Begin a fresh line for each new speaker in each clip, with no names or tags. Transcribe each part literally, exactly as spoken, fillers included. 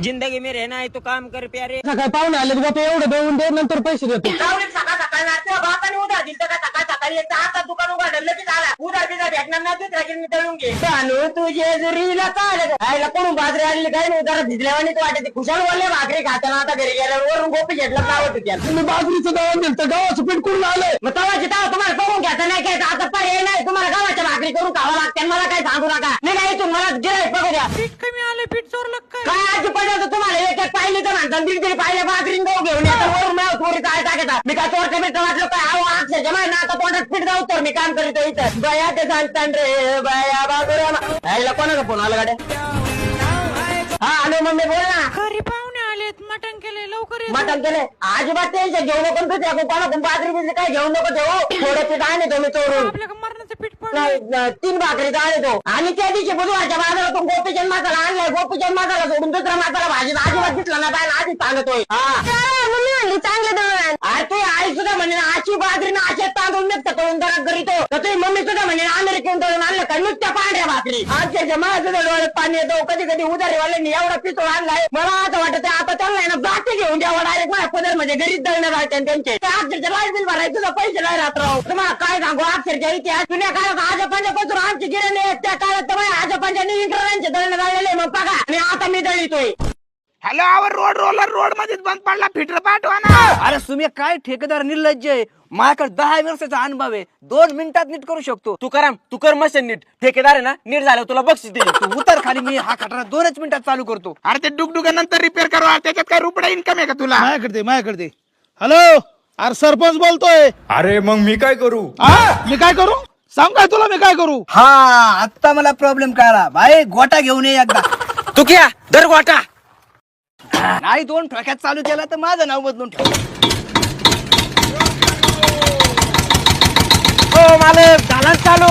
जिंदगी में रहना है तो काम कर प्यारे.
सकाळ पाहुणे आले बघा ते एवढं देऊन दे नंतर पैसे देतो.
सकाळ सकाळी नाचते बापाने उद्या दिलं का सकाळ सकाळी एक आता दुकान उघडलं लगेच आला उद्या बिजा भेटणार नाही दुसऱ्या मी तळून घे चालू तुझे जरीला चाल आयला कोण बाजरी आलेली काही नाही उद्या भिजल्यावानी वाटते खुशाल बोलले भाकरी खाताना आता घरी गेल्यावर वरून गोपी घेतलं नावत होत्या
तुम्ही बाजरीचं दळण दिलं तर गावाचं पीठ कुठून आलंय.
मग तवाची तवा तुम्हाला करून घ्यायचं नाही घ्यायचं आता पर्याय नाही तुम्हाला गावाच्या भाकरी करून खावा लागते मला काय सांगू नका मी नाही तुम्हाला गिराईक बघू द्या
पीठ कमी आले पीठ चोरलं काय.
काय आजी पडलं तुम्हाला एक एक पाहिली तर म्हणतात दीड दीड पाहिजे भाकरी गहू घेऊन येतात वरून मला थोडी काय टाकतात मी काय चोरच्या पीठ वाटलं काय अहो अक्षरशः जमा ना आता तोंडात पीठ जाऊ तर मी काम करीतो इथं बया ते सांगतात रे बया बाबूरा कोणाचा फोन आला गाड्या हा हॅलो मम्मी बोल ना
घरी पाहुणे आलेत मटण केले लवकर ये.
मटण केले अजिबात टेन्शन घेऊ नको दुसऱ्या कोणाकडून बाजरी बिजरी काय घेऊ नको ठेवू थोडं पीठ आहे तो मी चोरून
आपल्या मरणाचं पीठ पडलं.
नाही, न- तीन भाकरी आहे तो आणि त्या दिवशी बुधवारच्या बाजारातून गोपीचंद मसाला आणलाय गोपीचंद मसाला सोडून दुसरा मसाला भाजीत अजिबात दिसला ना बायला आधीच सांगतोय मम्मी चांगलं दळण अरे तू आई सुद्धा म्हणजे अशी बाजरी ना असे तांदूळ नुसतं करून जरा करीतो तर तुझी मम्मी सुद्धा म्हणजे अमेरिकेहून दळून आणलं का नुसत्या पांढऱ्या भाकरी आजच्या माझं डोळ्यात पाणी येतो कधी कधी उधारीवाल्यांनी एवढा पितोळ आणलाय मला आता वाटत आता त्यांना आहे ना बाकी घेऊन द्यावं डायरेक्ट माझ्या पदर म्हणजे घरीच दळणं राहते त्यांचे अक्षरच्या लाईट बिल भरायचं तुझा पैसे नाही राहत राहू तुम्हाला काय सांगू अक्षरच्या इतिहास जुन्या काळात आजोबांच्यापासून आमची गिरणी त्या काळात तर माझ्या आजोबांच्या इंटरनेटचे दळणं राहिलेले मग बघा आणि आता मी दळीतोय
हॅलो आवर रोड रोलर रोड मध्येच बंद पडला फिटर पाठवा ना.
अरे तुम्ही काय ठेकेदार निर्लज्ज आहे. माझ्याकडे दहा वर्षाचा अनुभव आहे दोन मिनिटात नीट करू शकतो.
तू करा तू कर मशीन नीट ठेकेदार आहे ना नीट झालं तुला बक्षीस देईल.
तू उतर खाली मी हा खटारा दोनच मिनिटात चालू करतो.
अरे ते डुगडुगा नंतर रिपेअर करू त्याच्यात काय रुपडा इन्कम आहे का तुला.
माझ्याकडे दे, माझ्याकडे दे. हॅलो अरे सरपंच बोलतोय.
अरे मग मी काय करू.
हा मी काय करू सांग काय तुला मी काय करू.
हा आता मला प्रॉब्लेम कळला भाई गोटा घेऊन ये एकदा.
तू क्या दर गोटा
नाही दोन ठोक्यात चालू केला तर माझं नाव बदलून ठेव.
हो मालक झाला चालू.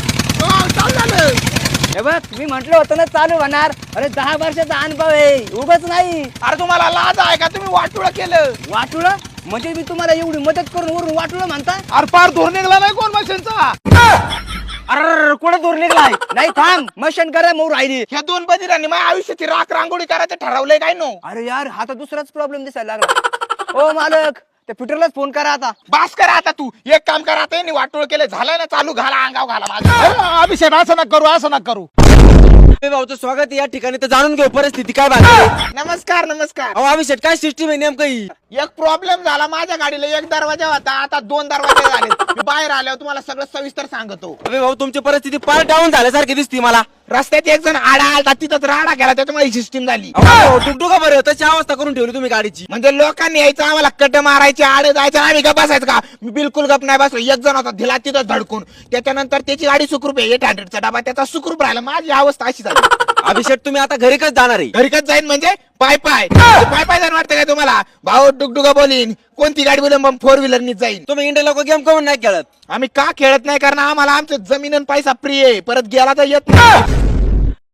हे बघ मी म्हंटल होतं ना चालू होणार. अरे दहा वर्षाचा अनुभव आहे उगाच नाही.
अरे तुम्हाला लाज आहे का तुम्ही वाटुळं केलं.
वाटुळं म्हणजे मी तुम्हाला एवढी मदत करून वरून वाटुळं म्हणता.
अरे पार धोर निघला नाही कोण मशीनचा.
अरे कुठे दूर निघलाय.
नाही थांब मशन करा मग राहिली.
ह्या दोन बदिरांनी माझ्या आयुष्याची राख रांगोळी करायचं ठरवलंय काय नो.
अरे यार हा तर दुसराच प्रॉब्लेम दिसायला लागला. ओ मालक त्या फिटरलाच फोन करा आता.
बास करा आता तू एक काम करा आता यांनी वाटोळ केलं झालं ना चालू घाला अंगाव घाला माझं.
अरे, अभिषेक असं नका करू असं नका करू.
भाऊचं स्वागत या ठिकाणी तर जाणून घेऊ परिस्थिती काय बाकी.
नमस्कार नमस्कार.
अहो अभिषेक काय सिस्टीम आहे नेमकं ही.
एक प्रॉब्लेम झाला माझ्या गाडीला एक दरवाजा होता आता दोन दरवाजे झाले. मी बाहेर आल्यावर तुम्हाला सगळं सविस्तर सांगतो.
अबे भाऊ तुमची परिस्थिती फार डाऊन झाल्यासारखी दिसती मला.
रस्त्यात एक जण आडा आलता तिथंच राडा गेला त्याच्यामुळे ही सिस्टीम झाली.
टुकटुका बरं तशी अवस्था करून ठेवली तुम्ही गाडीची.
म्हणजे लोकांनी यायचं आम्हाला कट मारायचे आडे जायचं आम्ही गप बसायचं का. मी बिलकुल गप नाही बसलो. एक जण होता दिला तिथं धडकून त्याच्यानंतर त्याची गाडी सुखरूप आहे एट हंड्रेडचा डबा त्याचा सुखरूप राहिला. माझी अवस्था अशी झाली.
अभिषेक तुम्ही आता घरी कच जाणार आहे.
घरी कच जाईन म्हणजे पाय पाय पाय पाय जाईन वाटतं काय तुम्हाला. भाऊ डुगडुगा बोलीन कोणती गाडी बोलून फोर व्हीलरनी जाईन.
तुम्ही इंडिया लोक गेम करून नाही खेळत.
आम्ही का खेळत नाही कारण आम्हाला आमचं जमीन आणि पैसा प्रिय आहे परत गेला तर येत नाही.